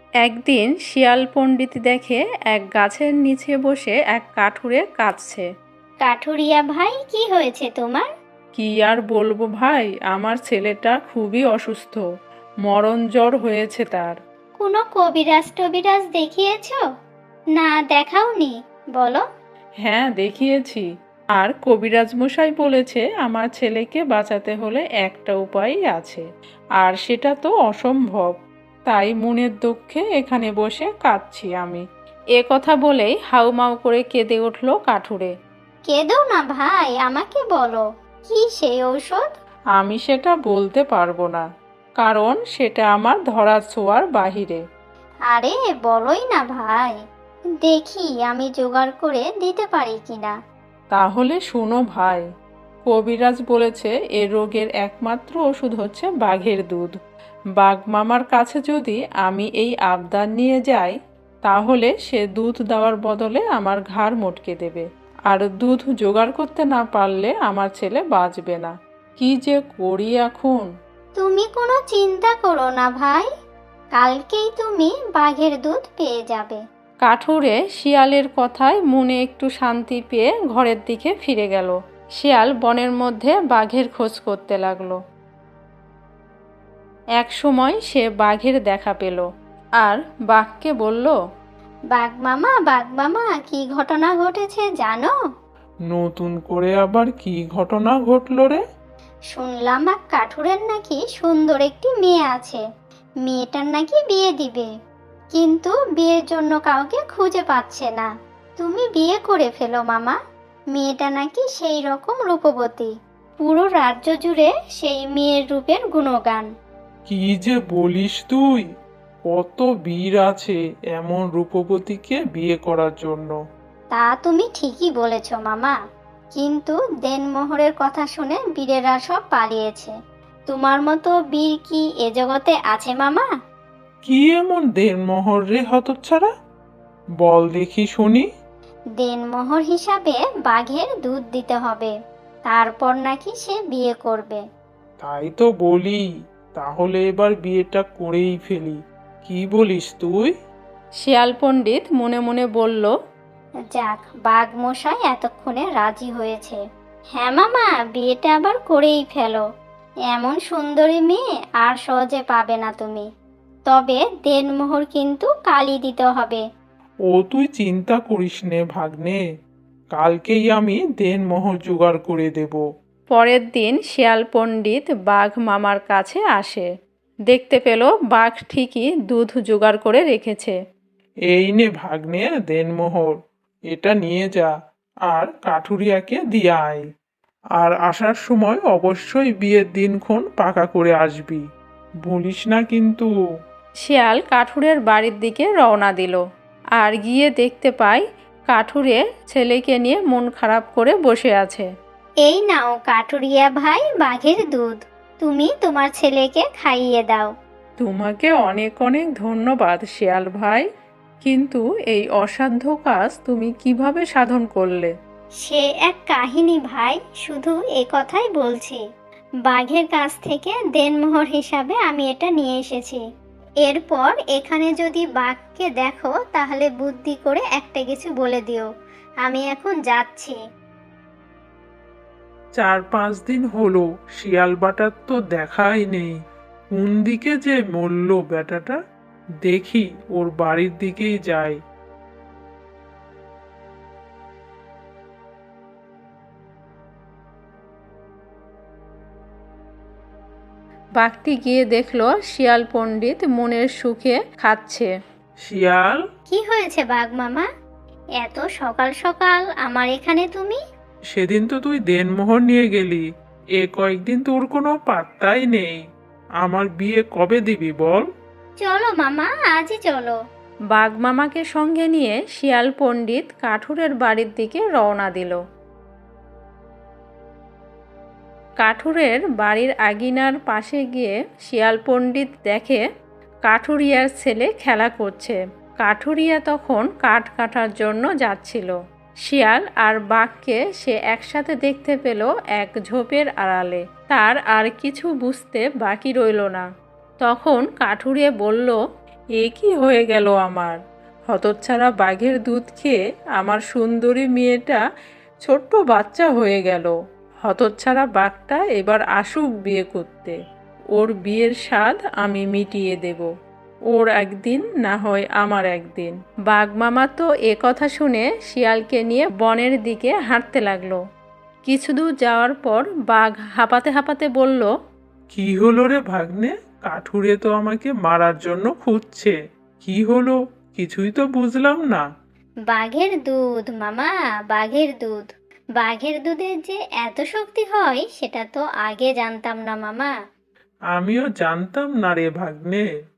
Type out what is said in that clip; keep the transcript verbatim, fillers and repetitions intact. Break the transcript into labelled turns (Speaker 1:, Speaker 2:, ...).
Speaker 1: একদিন শিয়াল পণ্ডিত দেখে এক গাছের নিচে বসে এক কাঠুরে কাঁদছে।
Speaker 2: কাঠুরিয়া ভাই, কি হয়েছে তোমার?
Speaker 1: কি আর বলবো ভাই, আমার ছেলেটা খুবই অসুস্থ, মরণ জ্বর হয়েছে তার।
Speaker 2: কোনো কবিরাজ টবিরাজ দেখিয়েছো? না দেখাওনি, বলো।
Speaker 1: হ্যাঁ দেখিয়েছি, আর কবিরাজ মশাই বলেছে আমার ছেলেকে বাঁচাতে হলে একটা উপায়ই আছে, আর সেটা তো অসম্ভব। তাই মনের দুঃখে এখানে বসে কাঁদছি আমি। এ কথা বলেই হাউমাউ করে কেঁদে উঠল কাঠুরে।
Speaker 2: কেঁদো না ভাই, আমাকে বলো, কি সেই ঔষধ?
Speaker 1: আমি সেটা বলতে পারবো না, কারণ সেটা আমার ধরা ছোঁয়ার বাহিরে।
Speaker 2: আরে বলোই না ভাই, দেখি আমি জোগাড় করে দিতে পারি কিনা।
Speaker 1: তাহলে শোনো ভাই, কবিরাজ বলেছে এ রোগের একমাত্র ওষুধ হচ্ছে বাঘের দুধ। বাঘ মামার কাছে যদি আমি এই আবদার নিয়ে যাই, তাহলে সে দুধ দেওয়ার বদলে আমার ঘাড় মটকে দেবে, আর দুধ জোগাড় করতে না পারলে আমার ছেলে বাঁচবে না। কি যে করি এখন।
Speaker 2: তুমি কোনো চিন্তা করো না ভাই, কালকেই তুমি বাঘের দুধ পেয়ে যাবে।
Speaker 1: কাঠুরে শিয়ালের কথায় মনে একটু শান্তি পেয়ে ঘরের দিকে ফিরে গেল। শিয়াল বনের মধ্যে বাঘের খোঁজ করতে লাগলো। এক সময় সে বাঘের দেখা পেল, আর বাঘকে বলল,
Speaker 2: বাঘ মামা, বাঘ মামা, কি ঘটনা ঘটেছে জানো?
Speaker 1: নতুন করে আবার কি ঘটনা ঘটলো রে?
Speaker 2: শুনলাম এক কাঠুরের নাকি সুন্দর একটি মেয়ে আছে, মেয়েটার নাকি বিয়ে দিবে, কিন্তু বিয়ের জন্য কাউকে খুঁজে পাচ্ছে না। তুমি বিয়ে করে ফেলো মামা, মেয়েটা নাকি সেই রকম রূপবতী, পুরো রাজ্য জুড়ে সেই মেয়ের রূপের গুণগান।
Speaker 3: কি যে বলিস তুই! কত বীর আছে এমন রূপবতীকে বিয়ে করার জন্য।
Speaker 2: তা তুমি ঠিকই বলেছ মামা, কিন্তু দেনমোহরের কথা শুনে বীরেরা সব পালিয়েছে। তোমার মতো বীর কি এ জগতে আছে মামা?
Speaker 3: কি এমন দেনমোহর রে হতচ্ছাড়া? বল দেখি শুনি।
Speaker 2: দেনমোহর হিসাবে বাঘের দুধ দিতে হবে, তারপর নাকি সে বিয়ে করবে।
Speaker 3: তাই তো বলি, তাহলে এবার বিয়েটা করেই ফেলি। কি বলিস তুই?
Speaker 1: শিয়াল পণ্ডিত মনে মনে বলল,
Speaker 2: যাক, বাঘ মশাই এতক্ষণে রাজি হয়েছে। হ্যাঁ মামা, বিয়েটা আবার করেই ফেলো, এমন সুন্দরী মেয়ে আর সহজে পাবে না তুমি। তবে দেনমোহর কিন্তু কালই দিতে হবে।
Speaker 3: ও তুই চিন্তা করিস নে ভাগ্নে, কালকেই আমি দেনমোহর জোগাড় করে দেব।
Speaker 1: পরের দিন শিয়াল পণ্ডিত বাঘ মামার কাছে আসে। দেখতে পেল বাঘ ঠিকই দুধ জোগাড় করে রেখেছে।
Speaker 3: এই নে ভাগ্নে দেনমোহর, এটা নিয়ে যা, আর কাঠুরিয়াকে দিয়ে আয়। আর আসার সময় অবশ্যই বিয়ের দিনক্ষণ পাকা করে আসবি, ভুলিস না কিন্তু।
Speaker 1: শিয়াল কাঠুরের বাড়ির দিকে রওনা দিল, আর গিয়ে দেখতে পায় কাঠুরে ছেলেকে নিয়ে মন খারাপ করে বসে আছে।
Speaker 2: এই নাও কাঠুরিয়া ভাই বাঘের দুধ, তুমি তোমার ছেলেকে খাইয়ে দাও।
Speaker 1: তোমাকে অনেক অনেক ধন্যবাদ শিয়াল ভাই, কিন্তু এই অসাধ্য কাজ তুমি কিভাবে সাধন করলে?
Speaker 2: সে এক কাহিনী ভাই, শুধু এ কথাই বলছি। বাঘের কাছ থেকে দেনমোহর হিসাবে আমি এটা নিয়ে এসেছি। এরপর এখানে যদি বাঘকে দেখো তাহলে বুদ্ধি করে একটা কিছু বলে দিও। আমি এখন যাচ্ছি।
Speaker 3: চার পাঁচ দিন হলো শিয়াল বাটার তো দেখাই নেই। কোন দিকে যে মরল বেটাটা, দেখি ওর বাড়ির দিকেই যাই।
Speaker 1: বাঘটি গিয়ে দেখলো শিয়াল পণ্ডিত মনের সুখে খাচ্ছে।
Speaker 3: শিয়াল,
Speaker 2: কি হয়েছে বাঘ মামা, এত সকাল সকাল আমার এখানে তুমি?
Speaker 3: সেদিন তো তুই দেনমোহর নিয়ে গেলি, এ কয়েকদিন তোর কোনো পাত্তাই নেই। আমার বিয়ে কবে দিবি বল?
Speaker 2: চলো মামা, আজই চলো।
Speaker 1: বাঘ মামাকে সঙ্গে নিয়ে শিয়াল পণ্ডিত কাঠুরের বাড়ির দিকে রওনা দিল। কাঠুরের বাড়ির আঙিনার পাশে গিয়ে শিয়াল পণ্ডিত দেখে কাঠুরিয়ার ছেলে খেলা করছে। কাঠুরিয়া তখন কাঠ কাটার জন্য যাচ্ছিল। শিয়াল আর বাঘকে সে একসাথে দেখতে পেল এক ঝোপের আড়ালে। তার আর কিছু বুঝতে বাকি রইল না। তখন কাঠুরিয়া বলল, এ কি হয়ে গেল আমার? হতচ্ছাড়া বাঘের দুধ খেয়ে আমার সুন্দরী মেয়েটা ছোট্ট বাচ্চা হয়ে গেল। হতচ্ছাড়া বাঘটা এবার আসুক বিয়ে করতে। ওর বিয়ের স্বাদ আমি মিটিয়ে দেব। ওর একদিন না হয় আমার একদিন। বাঘ মামা তো এ কথা শুনে শিয়ালকে নিয়ে বনের দিকে হাঁটতে লাগলো। কিছু দূর যাওয়ার পর বাঘ হাঁপাতে হাঁপাতে বলল,
Speaker 3: কি হলো রে ভাগ্নে? কাঠুরে তো আমাকে মারার জন্য খুঁজছে। কি হলো কিছুই তো বুঝলাম না।
Speaker 2: বাঘের দুধ মামা, বাঘের দুধ। বাঘের দুধের যে এত শক্তি হয় সেটা তো আগে জানতাম না মামা।
Speaker 3: আমিও জানতাম না রে ভাগ্নে।